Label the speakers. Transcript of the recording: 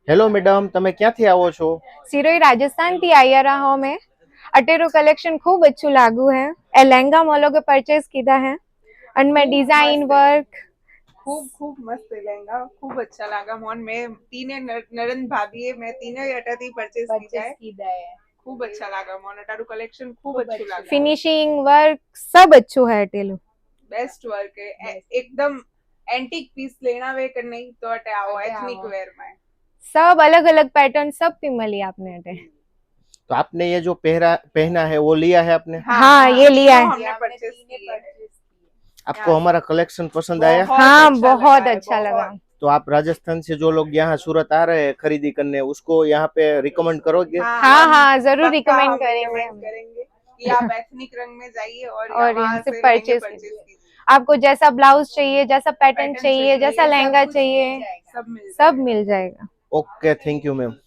Speaker 1: Hello madam, તમે ક્યાંથી આવો છો?
Speaker 2: सिरोही राजस्थान थी आई रहा हूँ मैं। अटेरो कलेक्शन खूब अच्छू लागू है। ए लहंगा मोलो के परचेस कीधा है। उनमें डिजाइन वर्क
Speaker 3: खूब खूब मस्त लहंगा, खूब अच्छा लगा मोन में। तीने नरन भाभी है, मैं तीने अटाती परचेस कीधा है। खूब अच्छा लगा मोन, अटारू कलेक्शन खूब अच्छू लगा।
Speaker 2: फिनिशिंग वर्क सब अच्छू है अटेलो।
Speaker 3: बेस्ट वर्क है, एकदम एंटीक पीस लेना वे कर नहीं तो अटे आओ एथनिक वेयर में
Speaker 2: सब अलग अलग पैटर्न सब भी मिली आपने अटे।
Speaker 1: तो आपने ये जो पहना है वो लिया है आपने?
Speaker 2: हाँ, ये लिया है।
Speaker 3: हमने परचेस किया है।
Speaker 1: आपको हमारा कलेक्शन पसंद आया?
Speaker 2: हाँ, बहुत अच्छा लगा।
Speaker 1: तो आप राजस्थान से जो लोग यहाँ सूरत आ रहे हैं खरीदी करने, उसको यहाँ पे रिकमेंड करोगे?
Speaker 2: हाँ हाँ, जरूर रिकमेंड करेंगे
Speaker 3: कि आप एथनिक रंग में जाइए और
Speaker 2: यहाँ से
Speaker 3: से
Speaker 2: परचेस
Speaker 3: कीजिए।
Speaker 2: आपको जैसा ब्लाउज चाहिए, जैसा पैटर्न चाहिए, जैसा लहंगा चाहिए, सब मिल जाएगा।
Speaker 1: Okay, thank you ma'am.